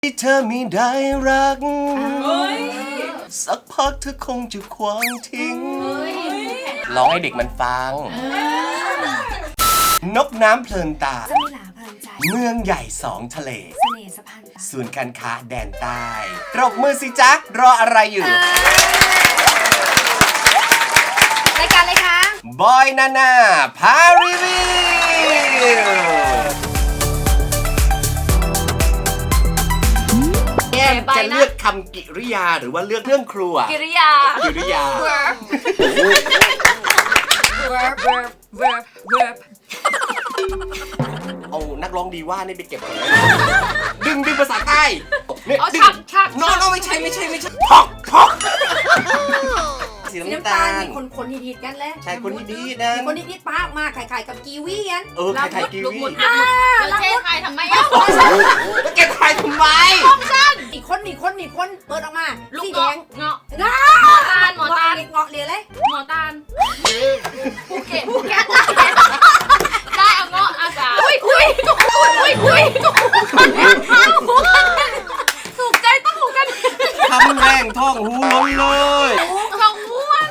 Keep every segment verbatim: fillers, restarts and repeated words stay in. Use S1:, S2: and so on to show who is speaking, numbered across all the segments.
S1: ที่เธอไม่ได้รักสักพักเธอคงจะควางทิ้งร้องให้เด็กมันฟังนกน้ำเพลินตา
S2: สมิลาเพลินใจ
S1: เมืองใหญ่สองทะเล
S2: เสน่ห์สะพานตา
S1: ศูนย์การค้าแดนใต้ปรบมือสิจ๊ะรออะไรอยู่
S2: รายการอะไรคะ
S1: บอยนาน่าพารีวิวจะเลือกคำกิริยาหรือว่าเลือกเรื่องครัว
S2: กิริยา
S1: กิริยา
S2: verb verb verb verb verb
S1: เอานักร้องดีว่านี่ไปเก็บก่อนดึงดึงภาษาใต้
S2: เอาชักชัก
S1: น้องไม่ใช่ไม่ใช่ไม่ใช่พอกพอกสีน้ำตาล
S2: มีคนคนฮิตๆกันแล้ว
S1: ใช่คนฮิตๆนะ
S2: คนฮิตๆป้ามากไข่ๆกับกีวีกัน
S1: เออไข่ๆกีวี
S2: อ่าแล้วเจ๊ไข่ทำไมอ่ะ
S1: แล้วเก็บไข่ทำไม
S2: ของฉันอีกคนอีกคนอีกคนเปิดออกมาลูกแดงเงาะเงาะหมอตาลหมอตาลเงาะเรียเลยหมอตาลภูเก็ตภูเก็ตได้เอาเงาะอาสาคุยคุยคุยคุยถูกใจต้องถูกกัน
S1: ทำแรงท่องหูล้นเลย
S2: ท่องม้วน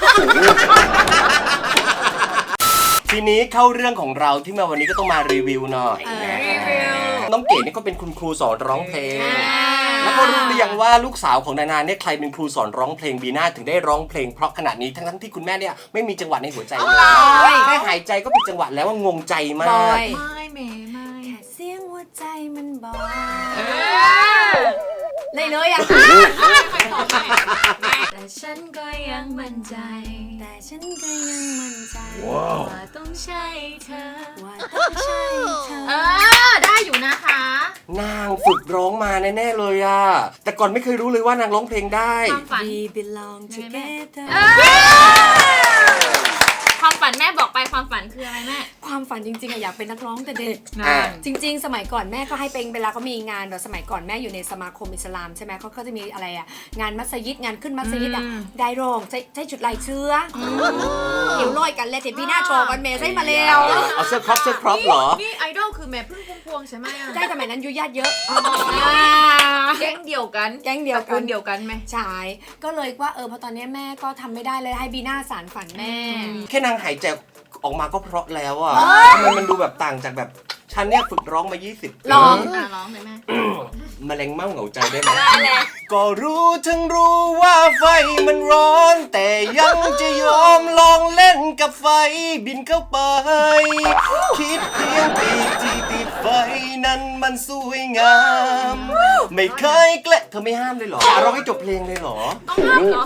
S1: ทีนี้เข้าเรื่องของเราที่มาวันนี้ก็ต้องมารีวิวหน่อยน้องเก๋นี่ก็เป็นคุณครูสอนร้องเพลงแล้วก็รู้หรือยังว่าลูกสาวของนานาเนี่ยใครเป็นครูสอนร้องเพลงบีน่าถึงได้ร้องเพลงเพราะขนาดนี้ทั้งๆที่คุณแม่เนี่ยไม่มีจังหวะในหัวใจเลยแค่หายใจก็เป็นจังหวะแล้วว่างงใจมาก
S2: ไม่เมย์ไม่แค่เสียงหัวใจมันบอกเลยเลยอ่ะแต่ฉันก็ยังมั่นใจแต่ฉันก็ยังมั่นใจว่าต้องใช่เธอว่าต้องใช่เธอเออได้อยู่นะคะ
S1: นางฝึกร้องมาแน่ๆเลยอ่ะแต่ก่อนไม่เคยรู้เลยว่านางร้องเพลงได้
S2: We belong together ความฝันแม่บอกไปความฝันคืออะไรแม่ความฝันจริงๆอะอยากเป็นนักร้องแต่เด็กจริงๆสมัยก่อนแม่ก็ให้เป็นเวลาเขามีงานแบบสมัยก่อนแม่อยู่ในสมาคมอิสลามใช่ไหมเขาก็จะมีอะไรอะงานมัสยิดงานขึ้นมัสยิดอะได้ร้องใช้ใช้จุดลายเชื้อเดี๋ยวลอยกันเลยเดี๋ยวพี่หน้าโชว์กันเมย์ใช่มาเร็ว
S1: เอาเสื้อครอปเสื้อครอปเหรอ
S3: นี่ไอดอลคือแม่พึ่งพุ่มพวงใช่ไหม
S2: ใช่สมัยนั้นยุญาติเยอะ
S3: แก๊งเดียวกัน
S2: แก๊งเดียวกัน
S3: เดียวกันไหม
S2: ใช่ก็เลยว่าเออพอตอนนี้แม่ก็ทำไม่ได้เลยให้บีน่าสารฝันแม่
S1: แค่นางหายใจออกมาก็เพราะแล้วอ่ะทำไมมันดูแบบต่างจากแบบฉันเนี่ยฝึกร้องมายี่สิบ
S2: ร้องอ่ะร้องเลยแม่
S1: แมลงเม่าเหงาใจได้ไหมก็รู้ทั้งรู้ว่าไฟมันร้อนแต่ยังจะยอมลองเล่นกับไฟบินเข้าไปคิดเพียงปีที่ติดไฟนั้นมันสวยงามไม่เคยเกละเธอไม่ห้ามเลยเหรอร้องให้จบเพลงเลยเหรอ
S2: ต้องห้ามเหรอ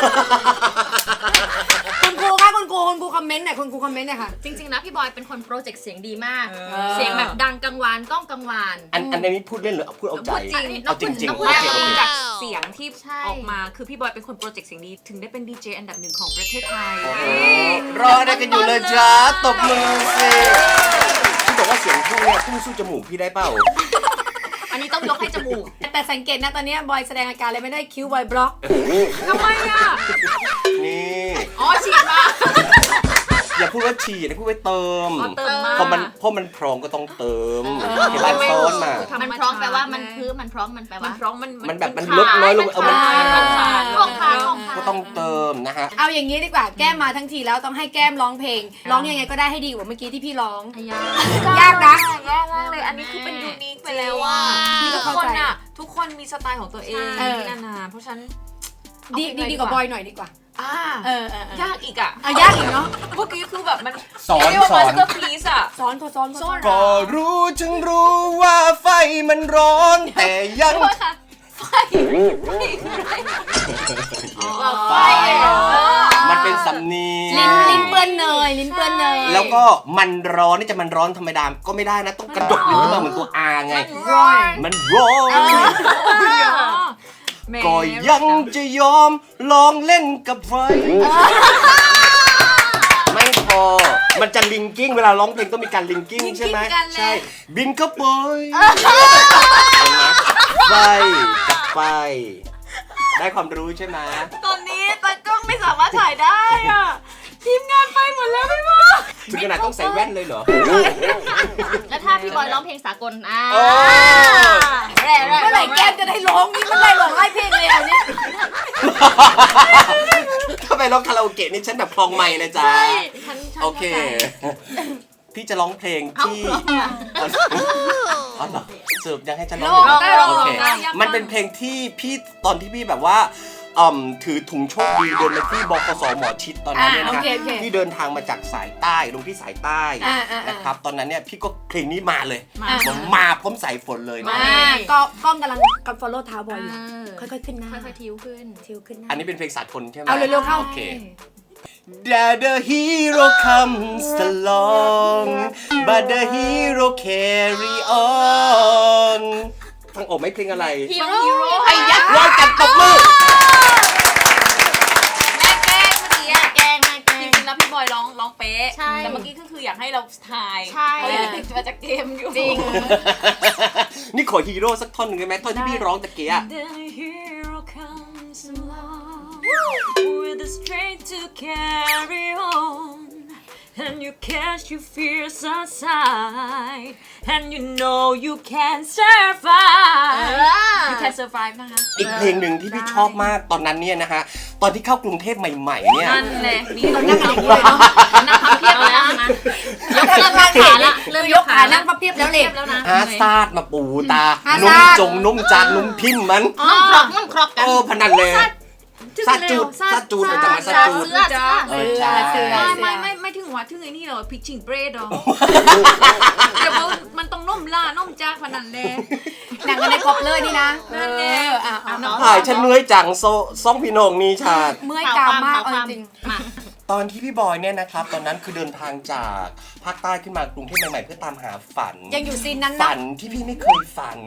S2: คุณครูคะคุณครูคุณครูคอมเมนต์หน่อยคุณครูคอมเมนต์หน่อยค่ะ
S3: จริงๆนะพี่บอยเป็นคนโปรเจกต์เสียงดีมากเสียงแบบดังกังวานก้องกังวาน
S1: อันอันนี้พูดเล่นหรือพูดเอาใจ
S3: เอาจริงจริงจากเสียงที่ออกมาคือพี่บอยเป็นคนโปรเจกต์เสียงดีถึงได้เป็นดีเจอันดับหนึ่งของประเทศไทย
S1: รอได้กันอยู่เลยจ้าตบมือสิพี่บอกว่าเสียงพุ่งเนี่ยพุ่งสู้จมูกพี่ได้เปล่า
S3: อันนี้ต้องยกให้จมูก
S2: แต่สังเกตนะตอนนี้บอยแสดงอาการเลยไม่ได้คิ้วบอยบล็อก
S3: ทำไมอ่ะ
S1: นี่
S3: อ๋อฉีดมา
S1: อย่าพูดว่าฉีดนะพูดว่าเติมเพราะมันเพราะมันพร้อมก็ต้องเติมเห็นไหมซ้อนมา
S3: มันพร้อมแปลว่ามันคือมันพร้อมมันแปลว่า
S2: มันพร้อมมัน
S1: มันแบบมันลดน้อยลงเออมัน
S3: ของค้างของค้าง
S1: ก็ต้องเติมนะฮะ
S2: เอาอย่างนี้ดีกว่าแก้มมาทั้งทีแล้วต้องให้แก้มร้องเพลงร้องยังไงก็ได้ให้ดีกว่าเมื่อกี้ที่พี่ร้องยากนะ
S3: ยากมากเลยอันนี้คือเป็นยูนิคไปแล้วว่าทุกคนอ่ะทุกคนมีสไตล์ของตัวเองนี่นานาเพราะฉะนั้น
S2: ดีดีกว่าบอยหน่อยดีกว่า
S3: อ่าเออยากอีกอ่ะ
S2: อ่ะยากอีกเนาะ
S3: เมื่อกี้คือแบบมัน
S1: สอนสอน
S3: ก็พีซอ่ะ
S2: สอนเขาสอนสอน
S1: ก็รู้จึงรู้ว่าไฟมันร้อนแต่ยัง
S3: ไฟไฟไฟ
S1: มันเป็นสำเนียง
S2: ลิ้นลิ้นเปื้อนเนยลิ้นเปื้อนเนย
S1: แล้วก็มันร้อนนี่จะมันร้อนธรรมดาก็ไม่ได้นะต้องกระดกลิ้นขึ้นมาเหมือนตัวอาไงมันร้อนก็ยังจะยอมลองเล่นกับไฟไม่พอมันจะลิงกิ้งเวลาร้องเพลงต้องมีการลิงกิ้งใช่ไหมใช่บินเข้าไปไฟกับไฟได้ความรู้ใช่ไหม
S3: ตอนนี้ตากล้องไม่สามารถถ่ายได้อ่ะทีมงานไปหมดแล้วพี่บอ
S1: ถึงขนาดต้องใส่แว่นเลยเหรอ
S4: แล้วถ้าพี่บอยร้องเพลงสากลอ่า
S1: โอ้
S4: แร่แร่
S2: เมื่อไหร่แก้มจะได้ร้องนี่มันได้ร้องไห้เพลงเลยอ่ะเนี่ย
S1: ถ้าไปร้องคาราโอเกะนี่ฉันแบบคลองไมค์นะจ๊ะ
S4: ฉันฉัน
S1: โอเค พี่จะร้องเพลงที่อ๋อเหรอสรุปยังให้ฉันร้อง
S2: ร้องได้ร้อง
S1: โอเค
S2: ได้
S1: มันเป็นเพลงที่พี่ตอนที่พี่แบบว่าอืมถือถุงโชคดีเดินมาที่บกสหมอชิดตอนนั้นเนี่ย
S2: อ่า
S1: นะ
S2: โอเคโอเค
S1: ที่เดินทางมาจากสายใต้ลงที่สายใต้
S2: อ่าอ่าอ่าน
S1: นะครับตอนนั้นเนี่ยพี่ก็เพลงนี้มาเลย
S3: มา
S1: ผมมาพร้อมสายฝนเลยนะ
S2: อ่าก็กล้องกำลังกับ follow เท้าบอยอยู่
S4: เออ
S2: ค่อยๆขึ้นหน้า
S4: ค่อยๆทิวขึ้น
S2: ทิวขึ้นหน้า
S1: อันนี้เป็นเพลงสากลใช่ไหม
S2: เอาเร็วๆเข้า
S1: โอเค That the hero comes along but the hero carry on ฟังออกไหมเพลงอะไร
S4: ฮีโร่ฮีโร่
S1: ไอ้ยักษ์ร้อยกันตบมือ
S3: แม่แกล้งเมื่อกี้อะ
S4: แกงแม่แก
S3: จ
S4: ง
S3: ริงๆแล้วพี่บอยร้องร้องเป๊ะ
S4: ใช่
S3: แต่เมื่อกี้ก็คืออยากให้เราทาย
S4: ใช่
S3: เพราะยังติดมาจากเกมอยู่
S4: จริง
S1: นี่ขอฮีโร่สักท่อนหนึ่งได้ไหมท่อนที่พี่ร้องตะเกียะ
S3: The hero comes along with the strength to carry on and you cast your fears aside and you know you can survive you can survive นะคะ
S1: อีกเพลงหนึ่งที่พี่ชอบมากตอนนั้นเนี่ยนะฮะตอนที่เข้ากรุงเทพใหม่ๆเนี่ย
S3: นั่นแหละนี่
S2: เรานั่งกันอย่างนี้เลยเนาะ
S3: นั่งพับเพียบแล้วนะ
S2: ยกขาขาละเริ่มยกขานั่งพับเพียบแล้วเลย
S3: แล้วนะ
S1: ฮาซาดมาปูตา
S2: ฮา
S1: นุ่
S2: ซาม ด
S1: จงนุ่มจานนุ่มพิมพ์มัน
S4: นุ่มครอกนุ่มครอกกัน
S1: โอ้พนันเลยซาจูดซาจูดจะมาซาจูด
S4: เสื้อเสื้อ
S1: เออใช่
S2: เสือ
S3: ไม่ไม่ไม่ไม่ถึงว่าถึงไอ้นี่หรอพิชชิงเบรดหรอเดี๋ยวมันต้องนุ่มล่านุ่มจ้าขนาดเลย
S2: หนังกันในครบเลยนี่นะ
S3: นั่นแหละ
S2: เอออ่ะเอา
S1: ถ่ายฉันเหนื่อยจังโซซ่องพี่โหนงมีชาติ
S2: เมื่อยกรามมากเอาจริง
S4: มา
S1: ตอนที่พี่บอยเนี่ยนะครับตอนนั้นคือเดินทางจากภาคใต้ขึ้นมากรุงเทพใหม่ๆเพื่อตามหาฝัน
S2: ยังอยู่ซีนนั้น
S1: ฝั
S2: นะ
S1: นที่พี่ไม่เคยฝัน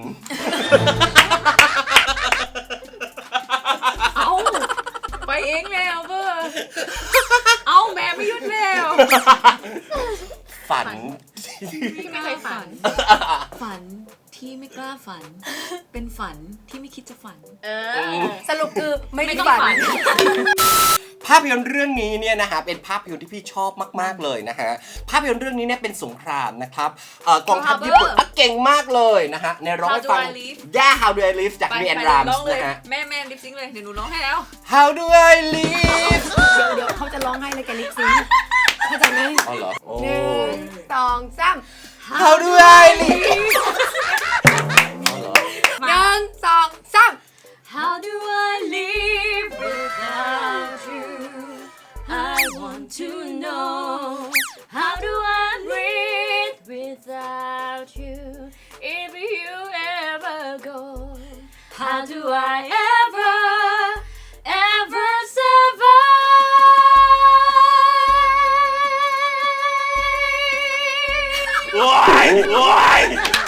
S3: เอาไปเองแล้วเบอร์เอาแม่ไม่หยุดแล้ว
S1: ฝัน
S3: ที่ไม่เคยฝัน ฝันที่ไม่กล้าฝัน เป็นฝันที่ไม่คิดจะฝัน
S4: เออ
S2: สรุปคือไม่
S3: ไม่
S2: ได้
S3: ต้อง
S2: ฝัน
S3: ฝัน
S1: ภาพยนตร์เรื่องนี้เนี่ยนะฮะเป็นภาพยนตร์ที่พี่ชอบมากๆเลยนะฮะภาพยนตร์เรื่องนี้เนี่ยเป็นสงครามนะครับเอ่อกองทัพญี่ปุ่นอ่ะเก่งมากเลยนะฮะในร้องให้ฟัง
S3: How do I live?
S1: Yeah How do I live จาก
S3: ไป
S1: เรียน
S3: ไป
S1: ราม
S3: ร้อง
S1: ส์
S3: เลย
S1: นะฮะ
S3: แม่แม่ลิปซิงค์เลยเดี๋ยวหนูร้องให้แล้ว
S1: How do I live
S2: เดี๋ยวเดี๋ยวเขาจะร้องให้เลยแกลิปซิงค์เข้าใจไหม
S1: อ๋อเหรอโอ้
S2: หนึ่งสองสาม
S1: How do I live อ๋อเหรอ
S2: หนึ่งสองสาม
S3: How do I live without you I want to know How do I breathe without you If you ever go How do I ever ever survive
S1: โอ้ยโอ้ย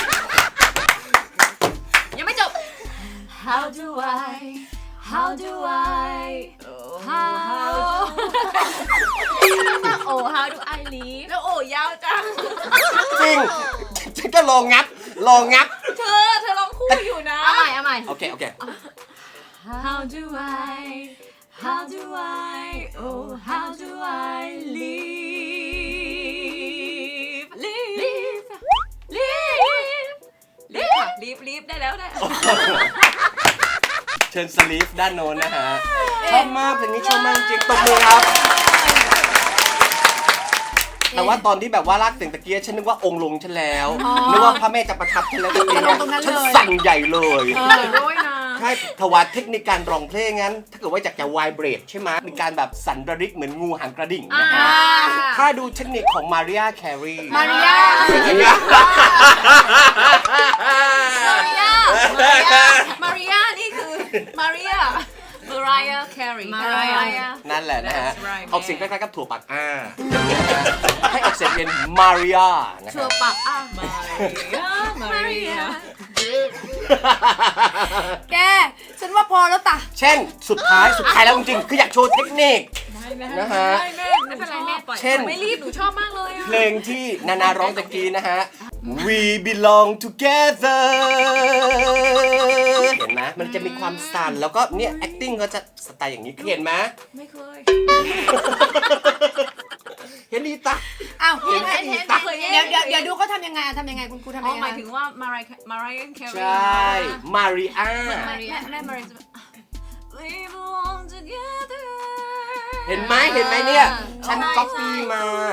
S3: ยังไม่จบ How do I How do I How
S4: โอ้ how do I live
S3: แล้วโอ้ยาวจัง
S1: จริงฉันก็ลองงับลองงับ
S3: เธอเธอร้องคู่อยู่นะ
S4: เอาใหม่เอาใหม่
S1: โอเคโอเค
S3: How do I How do I Oh how do I live Live Live Live Live Live ได้แล้วได้
S1: เชิญสลีฟด้านโน้นนะฮะชอบมากเพลงนี้ชอบมากจริงตบมือครับ แต่ว่าตอนที่แบบว่าลากเสียงตะเกียฉันนึกว่าองค์ลงฉันแล้วนึกว่าพระแม่จะประทับฉันแล้วตะเกียฉันสั่นใหญ่เลย
S3: ด้วยนะ
S1: ใช่ถวายเทคนิคการร้องเพลงงั้น ถ้าเกิดว่าอยากจะไวเบรดใช่ไหมมีการแบบสั่นระริกเหมือนงูหางกระดิ่งนะฮะถ้าดูเทคนิคของมาริอาแครี
S2: มาริยา
S3: มาริยานี่คือมาริยา Mariah Carey
S4: Mariah
S1: นั่นแหละนะฮะ
S3: That's right
S1: ออกเสียงคล้ายๆกับถั่วปักอ้าให้ออกเสียงเป็นมาริอานะค
S4: ชั
S1: รั
S4: ว
S1: บ
S4: ปักอ่ะ
S3: Maria Maria
S2: แกฉันว่าพอแล้วตะ
S1: เช่นสุดท้ายสุดท้ายแล้วจริงๆคืออยากโชว์เทคนิค นะฮะ
S3: ไม่แม่ไม่เป็นไรแม่ปล่อย
S1: เช่น
S3: ไม่รีบหนูชอบมากเลยอะ
S1: เพลงที่นานาร้องตะกี้นะฮะ We belong together เห็นไหมมันจะมีความสั่นแล้วก็เนี่ย acting ก็จะสไตล์อย่างนี้เห็นไหม
S3: ไม่เคย
S1: เห็นดีตา
S2: อ้าว
S1: เห็น
S2: เห็น
S1: เห็
S2: เห็
S1: น
S2: น
S1: ตา
S2: เดี๋ยวเดี๋ยวเดี๋ยวดูเขาทำยังไงทำยังไงคุณครูทำ
S3: อ๋อ
S2: ยัง
S3: ห
S2: ไง
S3: มายถึงว่า Mariah Mariah
S1: ใช
S3: Carey
S1: ่ มาริอา
S3: แม่แม่ Mariah จะแบบ We belong together
S1: เห็นไหมเห็นไหมเนี่ย ฉันก๊อปปี้มา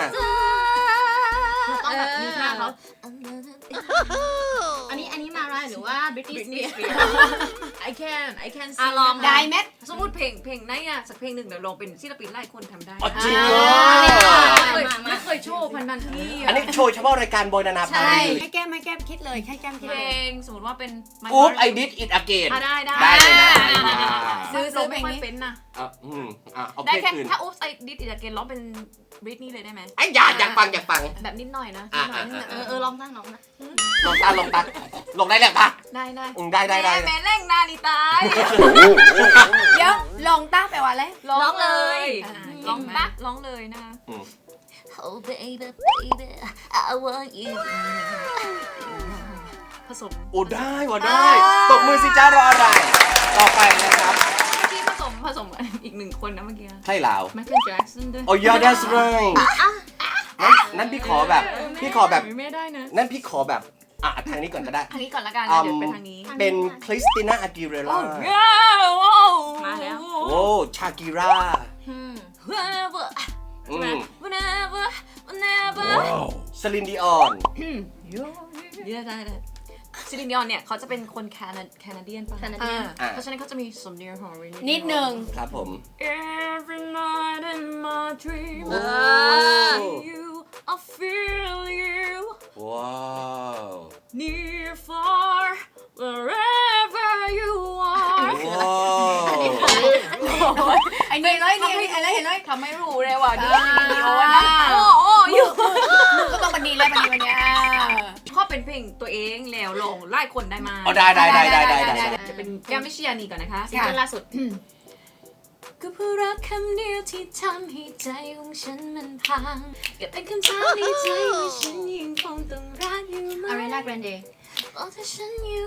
S4: ต้องแบบมีท่าเขาอันนี้อันนี้มาไรหรือว่า Britney
S3: Britney
S4: Spears
S3: Spears I can I can
S4: อ่ะ
S3: sing
S4: ลอง
S2: ได้เม็ด
S3: สมมติเพลงเพลงไหนอะสักเพลงหนึ่งเดี๋ยวลองเป็นศิลปินไล่คนทำได้
S1: อ๋อจริงเหรอ
S3: ไม่เคยไม่เคยโชว์พันนันที่
S1: อันนี้โชว์เฉพาะรายการบอยนานาพา
S2: ใช่
S1: รี
S2: ให้แก้มให้แก้มคิดเลยให้แก้มคิด
S3: เพล
S2: เลย
S3: งสมมติว่าเป็น My
S1: อุ๊บ
S3: Heart
S1: ไอดิดอิดอเกน
S3: อ่ะได้ได้
S1: ได้เลยนะ
S2: ซื้อซื้อเพล
S3: ไม่
S2: ง
S3: ค่อย
S2: นี้
S3: เป็นนะ
S1: อ่ะอืมอ่ะเอาเพ
S3: ได้
S1: ลง
S3: แค่
S1: อื่น
S3: ถ้าอุ๊บไอดิดอิดเกนร้องเป็นบริตนี่เลยได้ไหม
S1: ไอ้ยอยากอยากฟังอยากฟัง
S3: แบบนิดหน่อยนะ
S1: อ่ะ
S3: นิดหน่อย
S1: อ่ะ
S4: เออเออลองตั้งลองนะ
S1: ลงตาลงตาลงได้แล้วปะ
S3: ได้ได้
S1: อืมได้ได้ได้
S3: แม่แม่เร่งนาฬิตาย
S2: เดี๋ยวลองต้าแปลว่าอะไร
S3: ร้องเลย
S2: อ่า
S3: ร้องปะร้องเลยนะคะ
S1: อืม
S4: Oh baby baby I want you
S3: ผสม
S1: โอ้ได้ว่ะได้ตบมือสิจ้ารออะไร ต่อไปนะครับ
S3: เมื่อกี้ผสมผสมอีกหนึ่งคนนะเมื่อกี้
S1: ใช่ลาว
S3: ไมเคิลแจ็คสันด้วย
S1: โอ้ย that's right นั่นนั่นพี่ขอแบบ พี่ขอแบบ
S3: ไม่ได้นะ
S1: นั่นพี่ขอแบบอ่ะทางนี้ก่อนก็ได้
S3: ทางนี้ก่อนละกันนะเดี๋ยวเป็นทางนี้
S1: เป็นคริสติน่าอากิเรล่า
S3: มาแล้ว
S1: โอ้ชากิรา
S3: Whenever
S1: อืม
S3: whenever whenever
S1: สลินดิออน
S3: เดี๋ยวได้ได้ซิลินดิออนเนี่ยเขาจะเป็นคนแคนาแคนาเดียนป่ะ
S4: Canadian
S2: อ่า
S1: อ่ะ
S3: เพราะฉะนั้นเขาจะมีสำเนียงของริ
S2: นิดหนึ่ง
S1: ครับผม
S3: Every night in my dream
S1: โอ้
S3: I see you I feel you
S1: ว้าว
S3: near far wherever you are
S1: ว้าว
S2: ไอ้นี่เลยนี่ไอ้เลยไอ้เลย
S3: ทำไม่รู้เลยว่ะดู
S2: อ่า
S3: วิดีโอนะโอ้โอ้อยู่
S2: มึงก็ต้องบันดีเลยบันดีวันเนี้ย
S3: ข้อเป็นเพลงตัวเองแล้วลงไล่คนได้มา
S1: อ๋อได้ได้ได้ได้ได้ได้
S3: จะเป็นแก้มวิชยานีก่อนนะคะ
S4: ซิงเกิลล่าสุด
S3: ก็เพราะรักคำเดียวที่ทำให้ใจของฉันมันพังก็เป็นคำถามในใจว่าฉันยังคงต้องรักอยู่ไหม
S4: Ariana Grande
S3: บอกถ้าฉันอยู่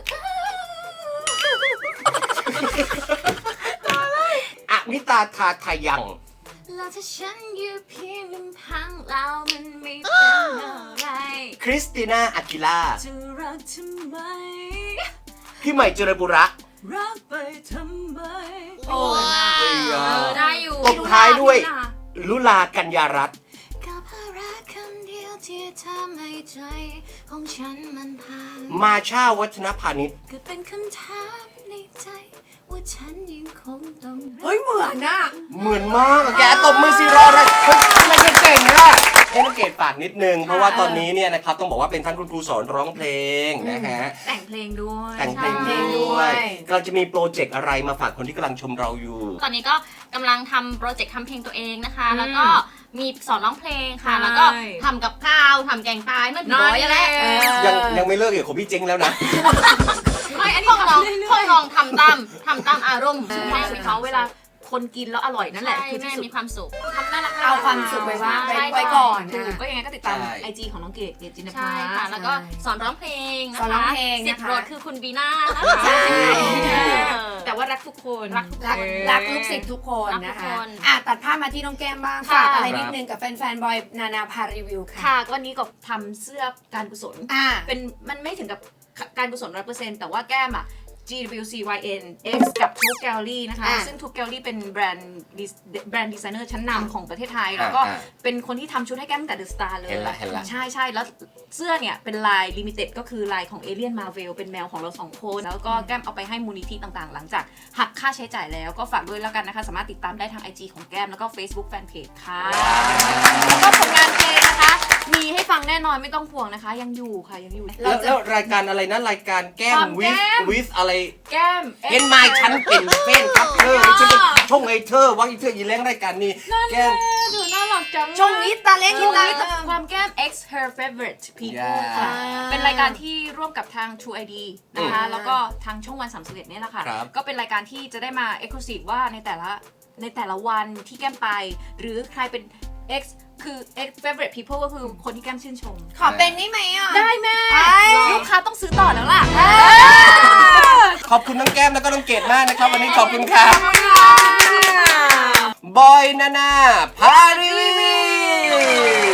S1: อะมิตาทาทายัง
S3: แล้วถ้าฉันอยู่เพียงลำพังแล้วมันไม่เป็นอะไร
S1: คริสติน่าอากิล่า
S3: จะรักทำไม
S1: พี่ใหม่เจริญบุระ
S3: รักไปทำไม
S2: โอ้
S1: เอ้ย
S4: เอ
S1: อ่ะ
S4: อได้อยู่
S1: ตบท้ายด้วย ลุลากัญญารัตน์
S3: ก็เพราะรักคำเดียวที่ทำให้ใจของฉันมันพัง
S1: มาชาวัฒนพานิช
S3: ก็เป็นคำถามในใจว่าฉันยังคงต้องรัก
S2: เฮ้ยเหมือนน่ะ
S1: เหมือนมากอะแกตบมือสิรออะไรเฮ้ยทำไมแกเก่งอ่ะให้น้องเกดฝากนิดนึง เพราะว่าตอนนี้เนี่ยนะครับต้องบอกว่าเป็นท่านคุณครูสอนร้องเพลงนะฮะ
S3: แต่งเพลงด้วย
S1: แต่งเพลงด้วยกำลังจะมีโปรเจกต์อะไรมาฝากคนที่กำลังชมเราอยู่
S4: ตอนนี้ก็กำลังทำโปรเจกต์ทำเพลงตัวเองนะคะ
S3: อืม
S4: แล้วก็มีสอนร้องเพลงค่ะ
S3: ใช่
S4: แล้วก็ทำกับข้าวทำแกงปลาเมื่อผีน้อยอะไร
S2: เออ
S1: ยังยังไม่เลิกเกี่ยวกับพี่เจ๊งแล้วนะ
S3: ไม่อัน
S4: พ
S3: นี้
S4: วกเรา
S3: ทำเรื่อยๆ
S4: พวกลองทำตามทำตามอารมณ์
S3: แม่มีเขาเวลาคนกินแล้วอร่อยนั่นแหละ
S4: ใช่
S3: คือ
S4: แม่
S3: ที่สุด
S4: มีความสุข
S3: ทำน่ารัก
S2: เอาความสุขไว้ว่า
S4: ใช่
S2: ไว้ไว้ก่อน
S3: ถูก
S2: นะ
S3: ก็ยังไงก็ติดตาม
S1: ใช่
S3: ไอจีของน้องเกดเกดจินภา
S4: ใช่ค่ะ แล้วก็สอนร้องเพลงนะคะ
S2: สอนร้องเพลงนะคะ
S4: สิบรถคือคุณบีน่านะคะ
S2: ใช่
S4: เออ
S3: แต่ว่ารักทุกคน
S4: รักทุก
S2: รักรักลูกศิษย์ทุกคน
S4: รักทุ
S2: นะ
S4: ก
S2: คะ
S4: คน
S2: อ่ะตัดภาพมาที่น้องแก้มบ้าง
S4: ค่ะ
S2: ฝากอะไรนิดนึงกับแฟนๆบอยนานาพารีวิวค่ะ
S3: ค่ะก็วันนี้ก็ทำเสื้อการกุศล
S2: อ่ะ
S3: เป็นมันไม่ถึงกับการกุศล ร้อยเปอร์เซ็นต์ แต่ว่าแก้มอะ จี ดับเบิลยู ซี วาย เอ็น X กับ Tuke Gallery นะคะ
S2: อ่ะ
S3: ซึ่ง Tuke Gallery เป็นแบรนด์ดิสแบรนด์ดีไซเนอร์ชั้นนำของประเทศไทย แล้วก็
S1: อ่า
S3: เป็นคนที่ทำชุดให้แก้มตั้งแต่ The Star เลย
S1: เห็นละเห็นละ
S3: ใช่ใช่แล้วเสื้อเนี่ยเป็นลายลิมิเต็ดก็คือลายของเอเลียนมาเวลเป็นแมวของเราสองคน แล้วก็แก้มเอาไปให้มูลนิธิต่างๆ หลังจากหักค่าใช้จ่ายแล้วก็ฝากด้วยแล้วกันนะคะ สามารถติดตามได้ทาง ไอ จี ของแก้มแล้วก็ Facebook Fanpage ค่ะแล้วก็ผลงานเพลงนะคะ มีให้ฟังแน่นอนไม่ต้องห่วงนะคะ ยังอยู่ค่ะยังอยู่
S1: แล้วแล้วรายการอะไรนะรายการแก้
S3: ค
S1: ม
S3: วาม
S1: วิ
S3: แก้
S1: ส
S3: ม
S1: วิสอะไร
S3: แก้ม
S1: เห็นไหมฉันเป็นแฟนครับเธอฉันเป็นช่องไอเธอวังไอเธอยีแรงรายการนี้แก้ม
S3: เธอน่ารักจัง
S2: ชงนิดตาเล็ก
S3: ช
S2: นิด
S3: ง
S2: ตา
S3: นิดความแก้ม X her favorite people
S1: อย่า
S3: ค่ะ
S2: อ่า
S3: เป็นรายการที่ร่วมกับทาง True ไอ ดี นะคะ
S2: อืม
S3: แล้วก็ทางช่องวันสามสิบเอ็ดเนี่ยแหละค่ะ
S1: ครับ
S3: ก็เป็นรายการที่จะได้มา exclusive ว่าในแต่ละในแต่ละวันที่แก้มไป หรือใครเป็น X คือ X favorite people ก็คือคนที่แก้มชื่นชม
S2: ขอเป็นได้ไหมอ่ะ
S3: ได้แม่
S2: ไป
S3: ลูกค้าต้องซื้อต่อแล้วล่ะ
S1: ขอบคุณน้องแก้มแล้วก็น้องเกดมากนะครับ วันนี้ขอบคุณครับบอยนานาพารีวิว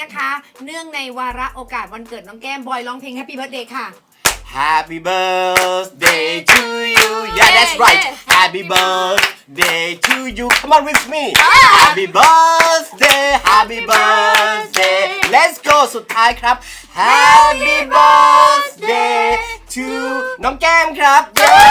S2: นะคะ เนื่องในวาระโอกาสวันเกิดน้องแก้มบอยร้องเพลง Happy Birthday ค่ะ
S1: Happy birthday to you yeah that's right Happy birthday to you come on with me Happy birthday Happy birthday let's go สุดท้ายครับ Happy birthday to น้องแก้มครับ yeah